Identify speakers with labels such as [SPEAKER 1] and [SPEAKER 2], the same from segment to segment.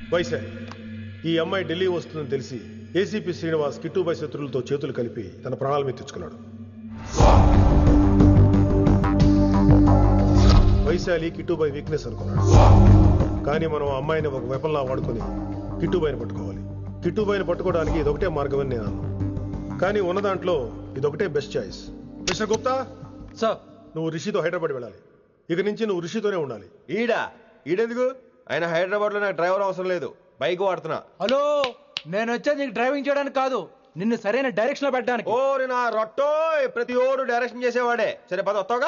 [SPEAKER 1] వైశాలి, ఈ అమ్మాయి ఢిల్లీ వస్తుందని తెలిసి ఏసీపీ శ్రీనివాస్ కిట్టుబాయ్ శత్రులతో చేతులు కలిపి తన ప్రాణాల మీద తెచ్చుకున్నాడు. వైశాలి కిట్టుబాయ్ వీక్నెస్ అనుకున్నాడు. కానీ మనం ఆ అమ్మాయిని ఒక వెపన్లా వాడుకొని కిట్టుబాయిని పట్టుకోవాలి. కిట్టుబాయిని పట్టుకోవడానికి ఇదొకటే మార్గం అని నేను అన్నాను. కానీ ఉన్న దాంట్లో ఇదొకటే best choice. Mister Gupta
[SPEAKER 2] sir,
[SPEAKER 1] నువ్వు రిషితో హైదరాబాద్ వెళ్ళాలి. ఇక నుంచి నువ్వు రిషితోనే ఉండాలి.
[SPEAKER 3] ఈడెందుకు? ఆయన హైదరాబాద్ లో నాకు డ్రైవర్ అవసరం లేదు, బైక్ వాడుతున్నా.
[SPEAKER 2] హలో, నేను వచ్చేది నీకు డ్రైవింగ్ చేయడానికి కాదు, నిన్ను సరైన డైరెక్షన్ లో పెట్టడానికి.
[SPEAKER 3] ఓరి నా రొట్టో, ప్రతి ఓడు డైరెక్షన్ చేసేవాడే. సరే పద, వస్తావుగా?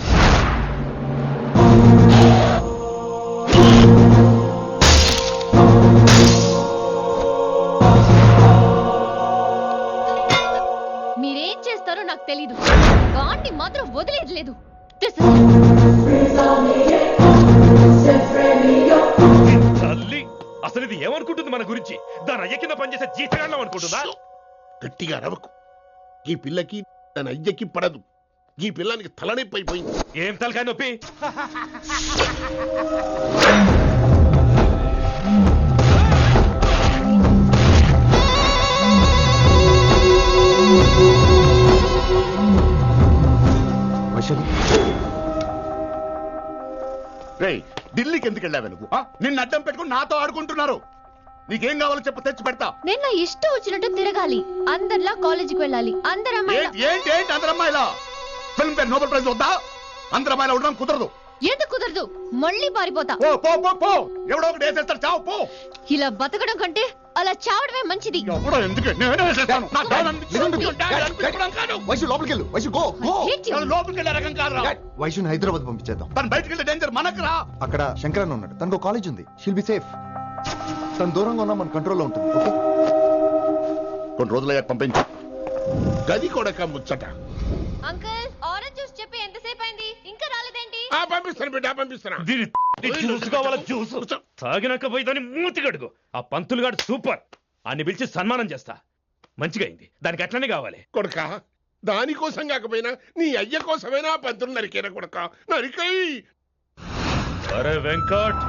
[SPEAKER 4] మీరేం చేస్తారో నాకు తెలీదు, వాడిని మాత్రం వదిలేదు లేదు.
[SPEAKER 5] తల్లి, అసలు ఇది ఏమనుకుంటుంది మన గురించి? దాని అయ్య కింద పనిచేసే జీతగాళ్ళం అనుకుంటుందా?
[SPEAKER 6] గట్టిగా అరవకు. ఈ పిల్లకి తన అయ్యకి పడదు. ఈ పిల్లానికి తలనొప్పి అయిపోయింది.
[SPEAKER 5] ఏం తలకాయ నొప్పి?
[SPEAKER 6] రేయ్, ఢిల్లీకి ఎందుకు వెళ్ళావే నువ్వు? నిన్ను అడ్డం పెట్టుకుని నాతో ఆడుకుంటున్నారు. నీకేం కావాలో చెప్పు, తెచ్చి పెడతా.
[SPEAKER 4] నేను నా ఇష్టం వచ్చినట్టు తిరగాలి, అందరిలా కాలేజీకి వెళ్ళాలి.
[SPEAKER 6] ఏంటి అందరు అమ్మాయిలా? ఫిల్మ్ ఫేర్ నోబెల్ ప్రైజ్ వద్దా? అందరు అమ్మాయిలా ఉండడం కుదరదు.
[SPEAKER 4] ఎందుకు కుదరదు? మళ్ళీ పారిపోతా.
[SPEAKER 6] పో, ఎవడో ఒకటి వేసేస్తాడు, చావు పో.
[SPEAKER 4] ఇలా బతకడం కంటే అలా చావడమే మంచిది.
[SPEAKER 7] వైశుని హైదరాబాద్ పంపించేద్దాం.
[SPEAKER 6] తను బయటికి వెళ్తే డేంజర్ మనకు రా.
[SPEAKER 7] అక్కడ శంకరన్ ఉన్నాడు, తనకు కాలేజ్ ఉంది, షీల్ బి సేఫ్. తను దూరంగా ఉన్నా మన కంట్రోల్లో ఉంటుంది. ఓకే,
[SPEAKER 6] కొన్ని రోజులయ్యాక పంపించు. గది కూడా ముచ్చట.
[SPEAKER 4] అంకుల్, ఆరెంజ్ జ్యూస్ చెప్పి ఎంతసేపు అయింది, ఇంకా రాలేదేంటి?
[SPEAKER 6] పంపిస్తాను బిడ్డ, పంపిస్తాను.
[SPEAKER 5] జ్యూస్ కావాలా? జ్యూస్ తాగినాక పోయి దాన్ని మూతి గడుగు. ఆ పంతులు గాడు సూపర్, అన్ని పిలిచి సన్మానం చేస్తా. మంచిగా అయింది, దానికి అట్లనే కావాలి.
[SPEAKER 6] కొడుక, దానికోసం కాకపోయినా నీ అయ్య కోసమైనా పంతులు నరికేనా కొడుక, నరికై.
[SPEAKER 5] అరే వెంకట్,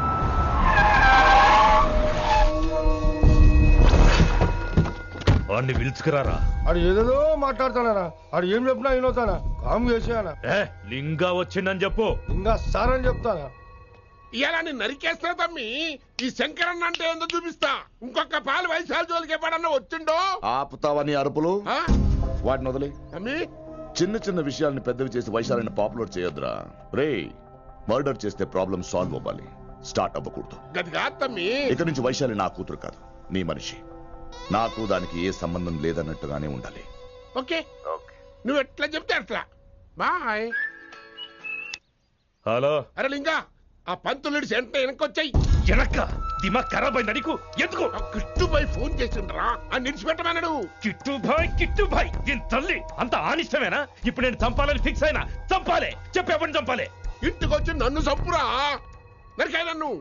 [SPEAKER 5] వాడిని పిలుచుకురారా.
[SPEAKER 8] ఆడు ఏదేదో మాట్లాడతానా, ఆడు ఏం చెప్పినా వినవుతానా, కామ్ చేసేనా.
[SPEAKER 5] లింగా వచ్చిందని చెప్పు.
[SPEAKER 8] ఇంకా సార్ అని చెప్తానా.
[SPEAKER 6] ఇలా నేను నరికేస్తా తమ్మి. ఈ శంకరన్న అంటే ఏందో చూపిస్తా. ఇంకొక పాలు వైశాల జోలికి ఎప్పుడన్నా వచ్చిండో
[SPEAKER 9] ఆపుతావని అరుపులు. వాటిని వదిలే
[SPEAKER 6] తమ్మి.
[SPEAKER 9] చిన్న చిన్న విషయాల్ని పెద్దవి చేసి వైశాలని పాపులర్ చేయొద్దురా. రే, మర్డర్ చేస్తే ప్రాబ్లం సాల్వ్ అవ్వాలి, స్టార్ట్ అవ్వకూడదు.
[SPEAKER 6] గది కాదు తమ్మి.
[SPEAKER 9] ఇక నుంచి వైశాలి నా కూతురు కాదు, నీ మనిషి. నాకు దానికి ఏ సంబంధం లేదన్నట్టుగానే ఉండాలి.
[SPEAKER 6] ఓకే, నువ్వు ఎట్లా చెప్తే అట్లా. బాయ్.
[SPEAKER 5] హలో.
[SPEAKER 6] అరే లింగా, ఆ పంతులుడి సెంటర్ వెనకొచ్చాయి.
[SPEAKER 5] వెనక్క దిమాగ్ ఖరాబ్ అయింది నీకు. ఎందుకు?
[SPEAKER 6] కిట్టుబాయ్ ఫోన్ చేసిండ్రా, అని నిడిచిపెట్టమన్నాడు.
[SPEAKER 5] కిట్టుబాయ్ దీని తల్లి అంత ఆనిష్టమేనా? ఇప్పుడు నేను చంపాలని ఫిక్స్ అయినా. చంపాలే, చెప్పేపని చంపాలే.
[SPEAKER 6] ఇంటికొచ్చి నన్ను చంపురా, నరికాయ నన్ను.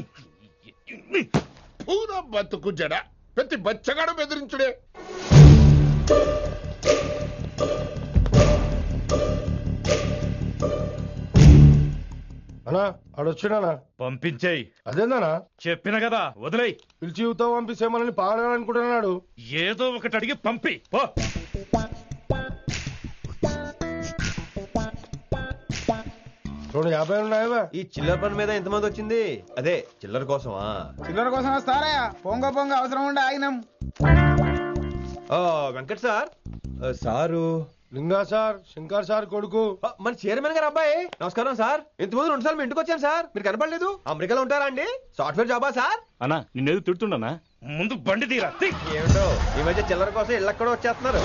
[SPEAKER 6] పూరా బతుకు జడ, ప్రతి బచ్చగాడు బెదిరించుడే.
[SPEAKER 8] అన్నా ఆడొచ్చినానా?
[SPEAKER 5] పంపించేయి.
[SPEAKER 8] అదేందనా?
[SPEAKER 5] చెప్పిన కదా, వదిలేయి.
[SPEAKER 8] పిలిచి యువత పంపిసేమని పాడాలనుకుంటున్నాడు.
[SPEAKER 5] ఏదో ఒకటి అడిగి పంపి పో.
[SPEAKER 8] రెండు 50 ఉన్నాయా?
[SPEAKER 3] ఈ చిల్లర పని మీద ఎంతమంది వచ్చింది? అదే చిల్లర కోసమా?
[SPEAKER 2] చిల్లర కోసం వస్తారా? పొంగ అవసరం ఉండే ఆగినాం.
[SPEAKER 3] Venkat sir. Sir
[SPEAKER 8] Linga sir, Shankar sir కొడుకు,
[SPEAKER 3] మన చైర్మన్ గారు అబ్బాయి. నమస్కారం సార్. ఇంతకుముందు 2 సార్లు మీ ఇంటికి వచ్చాను సార్, మీరు కనపడలేదు. అమెరికాలో ఉంటారా అండి? సాఫ్ట్వేర్ జాబా సార్?
[SPEAKER 5] అన్నా, నిన్నేది తిడుతుండనా? ముందు బండి తీరా.
[SPEAKER 3] ఏమిటో ఈ మధ్య చిల్లర కోసం ఇళ్ళక్కడ వచ్చేస్తున్నారు.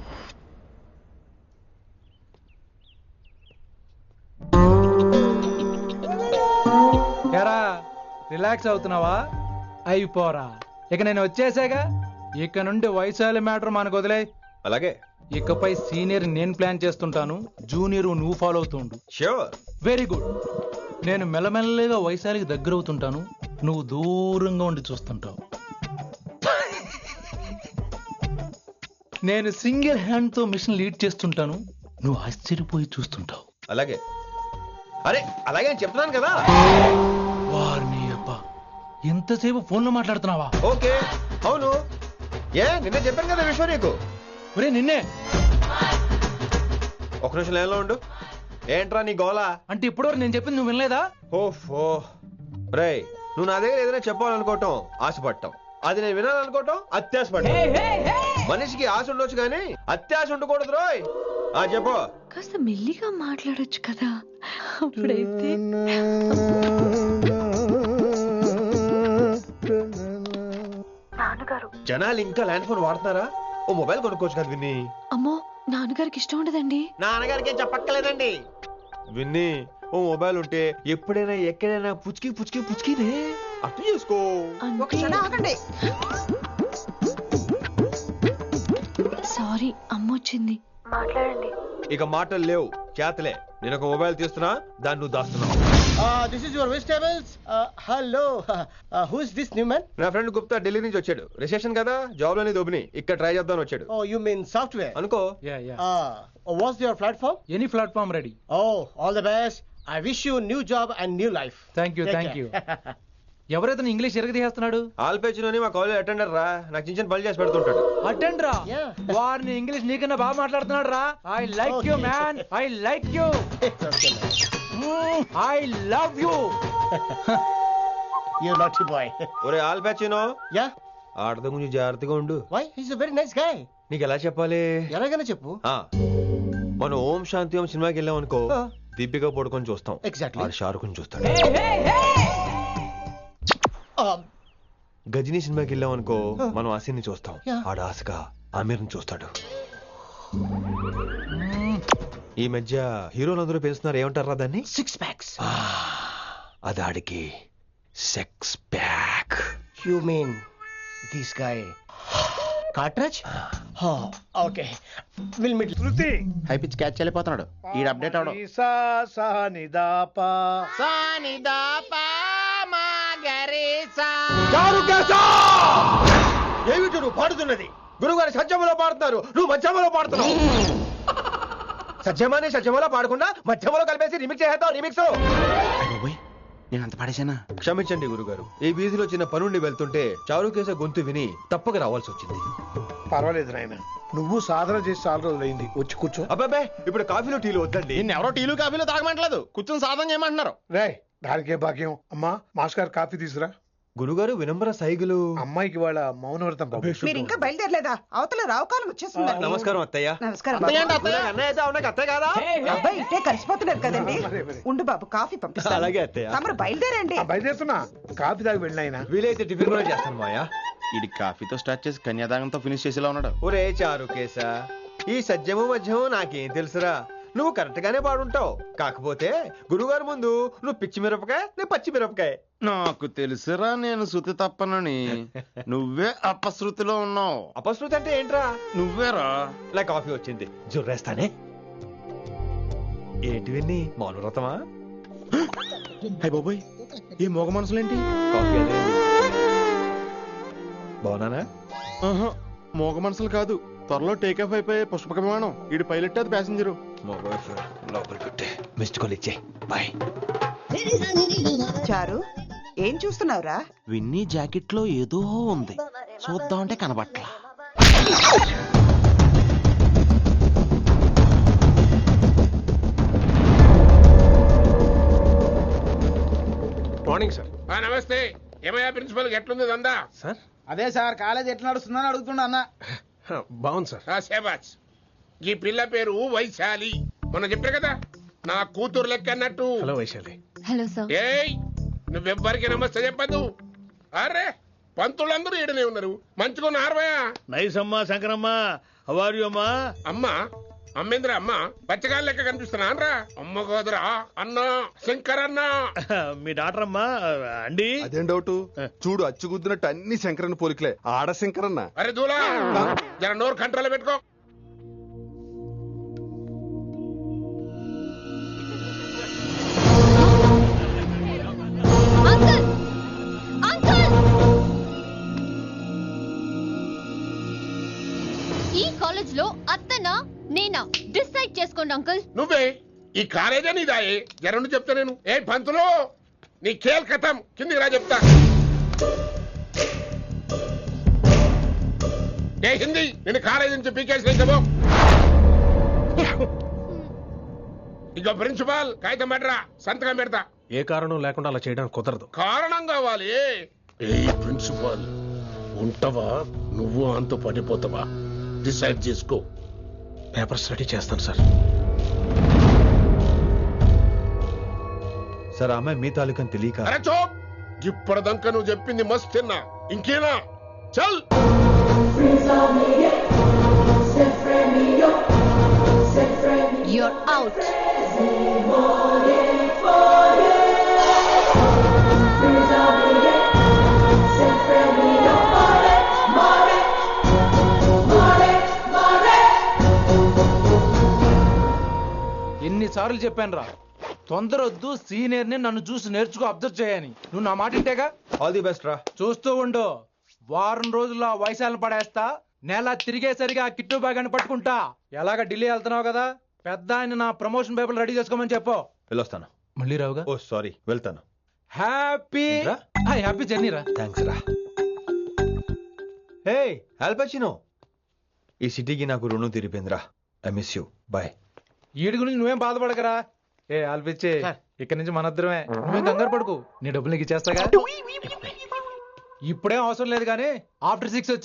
[SPEAKER 2] రిలాక్స్ అవుతున్నావా? అయిపోరా, ఇక నేను వచ్చేసాగా. ఇక నుండి వైశాలి మ్యాటర్ మనకు వదిలే.
[SPEAKER 3] అలాగే.
[SPEAKER 2] ఇకపై సీనియర్ నేను ప్లాన్ చేస్తుంటాను, జూనియర్ నువ్వు ఫాలో అవుతుండు.
[SPEAKER 3] ష్యూర్.
[SPEAKER 2] Very good. నేను మెల్లమెల్లగా వైశాలికి దగ్గర అవుతుంటాను, నువ్వు దూరంగా ఉండి చూస్తుంటావు. నేను సింగిల్ హ్యాండ్ తో మిషన్ లీడ్ చేస్తుంటాను, నువ్వు ఆశ్చర్యపోయి చూస్తుంటావు.
[SPEAKER 3] అలాగే. అరే అలాగే అని చెప్తున్నాను కదా.
[SPEAKER 2] వారిని అబ్బా, ఎంతసేపు ఫోన్ లో మాట్లాడుతున్నావా?
[SPEAKER 3] ఓకే అవును. నిన్నే చెప్పాను కదా విశ్వ నీకు.
[SPEAKER 2] ఒరే నిన్నే.
[SPEAKER 3] ఒక నిమిషం లైన్లో ఉండు. ఏంట్రా నీ గోలా?
[SPEAKER 2] అంటే ఇప్పటివరకు నేను చెప్పింది నువ్వు వినలేదా?
[SPEAKER 3] ఓఫో రేయ్, నువ్వు నా దగ్గర ఏదైనా చెప్పాలనుకోవటం ఆశపడటం, అది నేను వినాలనుకోవటం అత్యాశపడటం. మనిషికి ఆశ ఉండొచ్చు కానీ అత్యాశ ఉండకూడదు రోయ్. చెప్పు.
[SPEAKER 4] కాస్త మెల్లిగా మాట్లాడొచ్చు కదా, అప్పుడైతే.
[SPEAKER 3] జనాలు ఇంకా ల్యాండ్ ఫోన్ వాడుతున్నారా? ఓ మొబైల్ కొనుక్కోవచ్చు కదా విన్ని.
[SPEAKER 4] అమ్మో, నాన్నగారికి ఇష్టం ఉండదండి.
[SPEAKER 3] నాన్నగారికి చెప్పక్కర్లేదండి. విన్ని, ఓ మొబైల్ ఉంటే ఎప్పుడైనా ఎక్కడైనా పుచ్చుకి పుచ్చుకి పుచ్చుకినే అర్థం చేసుకో.
[SPEAKER 4] సారీ, అమ్మొచ్చింది. మాట్లాడండి.
[SPEAKER 3] ఇక మాటలు లేవు, చేతలే. నేను ఒక మొబైల్ తీస్తున్నా, దాన్ని నువ్వు దాస్తున్నావు.
[SPEAKER 8] This is your vegetables. Hello. Who is this new man?
[SPEAKER 3] నా ఫ్రెండ్ గుప్తా ఢిల్లీ నుంచి వచ్చాడు. రిసెప్షన్ కదా, జాబ్ లోని దొబ్బిని ఇక్కడ ట్రై చేద్దామని వచ్చాడు.
[SPEAKER 8] Oh, you mean software?
[SPEAKER 3] అనుకో.
[SPEAKER 8] What's your platform?
[SPEAKER 2] Any platform ready.
[SPEAKER 8] Oh, all the best. I wish you new job and new life.
[SPEAKER 2] Thank you,
[SPEAKER 8] Take
[SPEAKER 2] thank you.
[SPEAKER 8] care.
[SPEAKER 2] ఎవరైతే ఇంగ్లీష్ ఎరగదీస్తున్నాడు?
[SPEAKER 3] ఆల్పేచినోని మా కాలేజ్ అటెండర్ రా, నాకు చిన్న చిన్న పనులు చేసి పెడుతుంటాడు.
[SPEAKER 2] అటెండ్ రా.
[SPEAKER 8] Yeah.
[SPEAKER 2] వారిని ఇంగ్లీష్ నీకన్నా బాగా మాట్లాడుతున్నాడు రా. I like you man, I like you,
[SPEAKER 8] It's okay, man.
[SPEAKER 2] I love you.
[SPEAKER 8] You naughty boy.
[SPEAKER 3] ఒరే ఆల్పేచినో,
[SPEAKER 8] Yeah?
[SPEAKER 3] ఆడత గురించి జాగ్రత్తగా ఉండు.
[SPEAKER 8] Why? He's a very nice guy.
[SPEAKER 3] నీకు ఎలా చెప్పాలి?
[SPEAKER 8] ఎలాగైనా చెప్పు.
[SPEAKER 3] మనం ఓం శాంతి ఓం సినిమాకి వెళ్ళాం అనుకో, దీపిక పడుకొని చూస్తాం.
[SPEAKER 8] Exactly.
[SPEAKER 3] ఆడు షారుఖ్ చూస్తాడు. గజనీ సినిమాకి వెళ్ళాం అనుకో, మనం ఆసిని చూస్తాం.
[SPEAKER 8] Yeah.
[SPEAKER 3] ఆడు ఆశగా ఆమీర్ని చూస్తాడు. ఈ మధ్య హీరోలందరూ పెంచుతున్నారు, ఏమంటారా దాన్ని?
[SPEAKER 8] 6 packs.
[SPEAKER 3] అది ఆడికి sex pack.
[SPEAKER 8] You mean this guy? Cartridge? Oh, okay. We'll meet.
[SPEAKER 10] Shruti
[SPEAKER 8] high pitch catch వెళ్ళిపోతున్నాడు. ఈ అప్డేట్ అవడం.
[SPEAKER 10] సా సా నిదాపా
[SPEAKER 3] ఏమిటి నువ్వు పాడుతున్నది? గురుగారు సత్యములో పాడుతున్నారు, నువ్వు మధ్యమలో పాడుతున్నావు. సత్యమాని సత్యములో పాడకుండా మధ్యమలో కలిపేసి రిమిక్స్ చేస్తావు. రిమిక్స్
[SPEAKER 8] నేను అంత పాడేశానా?
[SPEAKER 3] క్షమించండి గురుగారు, ఈ వీధిలో చిన్న పనుండి వెళ్తుంటే చారుకేస గొంతు విని తప్పక రావాల్సి వచ్చింది.
[SPEAKER 10] పర్వాలేదు నాయన, నువ్వు సాధన చేసి చాలా రోజులైంది, వచ్చి కూర్చో.
[SPEAKER 3] అబ్బాబే, ఇప్పుడు కాఫీలో టీలు వద్దండి.
[SPEAKER 8] ఎవరో టీలు కాఫీలు తాగమంటలేదు, కూర్చొని సాధన చేయమంటున్నారు.
[SPEAKER 10] రే, దానికే భాగ్యం. అమ్మా, మాస్ గారు కాఫీ తీసురా.
[SPEAKER 3] గురుగారు వినమ్ర సైగులు.
[SPEAKER 10] అమ్మాయికి వాళ్ళ మౌనవ్రతం బాబు.
[SPEAKER 11] మీరు ఇంకా బయలుదేరలేదా? అవతల రావుకాలం వచ్చేస్తుంది.
[SPEAKER 3] నమస్కారం అత్తయ్య.
[SPEAKER 11] నమస్కారం.
[SPEAKER 3] అన్నయ్య అయితే అవునా అత్తయ్య కాదా?
[SPEAKER 11] అబ్బాయి ఇట్టే కలిసిపోతున్నారు కదండి. ఉండు బాబు, కాఫీ పంపిస్తాను.
[SPEAKER 3] అలాగే అత్తయ్య.
[SPEAKER 11] తమరు బయలుదేరండి.
[SPEAKER 10] బయలుదేరుతున్నా, కాఫీ తాగి వెళ్ళినాయన.
[SPEAKER 3] వీలైతే టిఫిన్ కూడా చేస్తాను మాయా.
[SPEAKER 8] ఇది కాఫీతో స్టార్ట్ చేసి కన్యాదానంతో ఫినిష్ చేసేలా ఉన్నాడు.
[SPEAKER 3] ఒరే చారుకేశ, ఈ సత్యము మధ్యము నాకేం తెలుసురా? నువ్వు కరెక్ట్ గానే పాడుంటావు, కాకపోతే గురుగారు ముందు నువ్వు పిచ్చి మిరపకాయ, నేను పచ్చి మిరపకాయ.
[SPEAKER 8] నాకు తెలుసురా నేను శృతి తప్పనని. నువ్వే అపశృతిలో ఉన్నావు.
[SPEAKER 3] అపశృతి అంటే ఏంట్రా?
[SPEAKER 8] నువ్వేరా.
[SPEAKER 3] నా కాఫీ వచ్చింది, జుర్రేస్తానే. ఏంటి విన్ని, మౌనవ్రతమా?
[SPEAKER 8] హై బాబోయ్, ఈ మోగ మనసులేంటి?
[SPEAKER 3] కాఫీ అదే. బాగున్నానా?
[SPEAKER 8] మోగ మనసులు కాదు, త్వరలో టేక్ ఆఫ్ అయిపోయే పుష్పక విమానం. ఈడు పైలట్, అది ప్యాసింజరు.
[SPEAKER 3] లోపలికి పెట్టే మిస్డ్ కాల్ ఇచ్చే. బాయ్.
[SPEAKER 11] చారు, ఏం చూస్తున్నావురా?
[SPEAKER 8] విన్నీ జాకెట్ లో ఏదో ఉంది, చూద్దామంటే కనబట్లా.
[SPEAKER 3] Morning sir.
[SPEAKER 6] నమస్తే. ఏమయ్యా ప్రిన్సిపల్, ఎట్లుంది దందా?
[SPEAKER 10] సార్,
[SPEAKER 2] అదే సార్, కాలేజ్ ఎట్లా నడుస్తుందని అడుగుతున్నా అన్న.
[SPEAKER 10] బాగుంది సార్.
[SPEAKER 6] శేబాజ్. ఈ పిల్ల పేరు వైశాలి. మొన్న చెప్పా కదా, నా కూతురు లెక్క అన్నట్టు.
[SPEAKER 10] హలో వైశాలి.
[SPEAKER 4] Hello sir.
[SPEAKER 6] ఏయ్, నువ్వెవ్వరికి నమస్తే చెప్పదు. అరే, పంతులందరూ ఈడనే ఉన్నారు, మంచుకున్న ఆర్వయా.
[SPEAKER 10] నైస్ అమ్మా శంకరమ్మ. హౌ ఆర్ యు అమ్మా?
[SPEAKER 6] అమ్మా, అమ్మేంద్ర అమ్మ, బచ్చగాళ్ళ లెక్క కనిపిస్తున్నా అనరా? అమ్మ కాదురా, అన్న శంకరన్న.
[SPEAKER 10] మీ డాక్టర్ అమ్మా అండి.
[SPEAKER 7] అదేం డౌట్? చూడు, అచ్చుగుద్దినట్టు అన్ని శంకరన్న పోలికలే. ఆడ శంకరన్న.
[SPEAKER 6] అరే దూలా, జర నోరు కంట్రోల్ పెట్టుకో.
[SPEAKER 4] అంకుల్, అంకుల్, ఈ కాలేజ్ లో అత్తనా నేనా డిసైడ్ చేసుకోండి అంకుల్.
[SPEAKER 6] నువ్వే ఈ కాలేజా నీదాయే? జరండు చెప్తా నేను. ఏ పంతులు, నీ ఖేల్ కథం, కిందికి రా చెప్తా. ఏ హిందీ నేను కాలేజీ నుంచి పీకేసి చెప్పు. ఇక ప్రిన్సిపాల్ కాగితం పెట్టరా, సంతకం పెడతా.
[SPEAKER 1] ఏ కారణం లేకుండా అలా చేయడానికి కుదరదు.
[SPEAKER 6] కారణం కావాలి. ఏ ప్రిన్సిపాల్ ఉంటావా, నువ్వు అంత పడిపోతావా? డిసైడ్ చేసుకో.
[SPEAKER 1] పేపర్స్ రెడీ చేస్తాను సార్.
[SPEAKER 3] సార్ ఆ అమ్మాయి మీ తాలూకని తెలియక.
[SPEAKER 6] అరే చోప్, ఇప్పటిదాకా నువ్వు చెప్పింది మస్త్ తిన్నా, ఇంకేనా? చల్.
[SPEAKER 4] You're out.
[SPEAKER 2] ఎన్నిసార్లు చెప్పాను రా, తొందరొద్దు, సీనియర్ ని నన్ను చూసి నేర్చుకో, అబ్జర్వ్ చేయని. నువ్వు నా మాట ఇంటేగా.
[SPEAKER 3] ఆల్ ది బెస్ట్ రా.
[SPEAKER 2] చూస్తూ ఉండు, వారం రోజుల్లో ఆ వయసాలను పడేస్తా. నెల తిరిగేసరిగా ఆ కిట్టు బ్యాగ్ పట్టుకుంటా. ఎలాగ ఢిల్లీ వెళ్తున్నావు కదా, పెద్ద ఆయన నా ప్రమోషన్ పేపర్లు రెడీ చేసుకోమని చెప్పు.
[SPEAKER 3] వెళ్ళొస్తాను.
[SPEAKER 2] మళ్ళీ రావుగా.
[SPEAKER 3] ఓ సారీ, వెళ్తాను.
[SPEAKER 2] హ్యాపీ హ్యాపీ జర్నీ రా.
[SPEAKER 3] థ్యాంక్స్ రా. హే ఆల్పచినో, ఈ సిటీకి నాకు రుణం తీరిపోయిందిరా. I miss you. బాయ్.
[SPEAKER 2] ఈడి గురించి నువ్వేం బాధపడకరా. ఏ ఆల్పిచ్చే, ఇక్కడి నుంచి మనద్దరమే. నువ్వేం కంగారు పడుకు, నీ డబ్బులు నీకు ఇచ్చేస్తాగా. ఇప్పుడేం అవసరం లేదు కానీ ఆఫ్టర్ 6 వచ్చే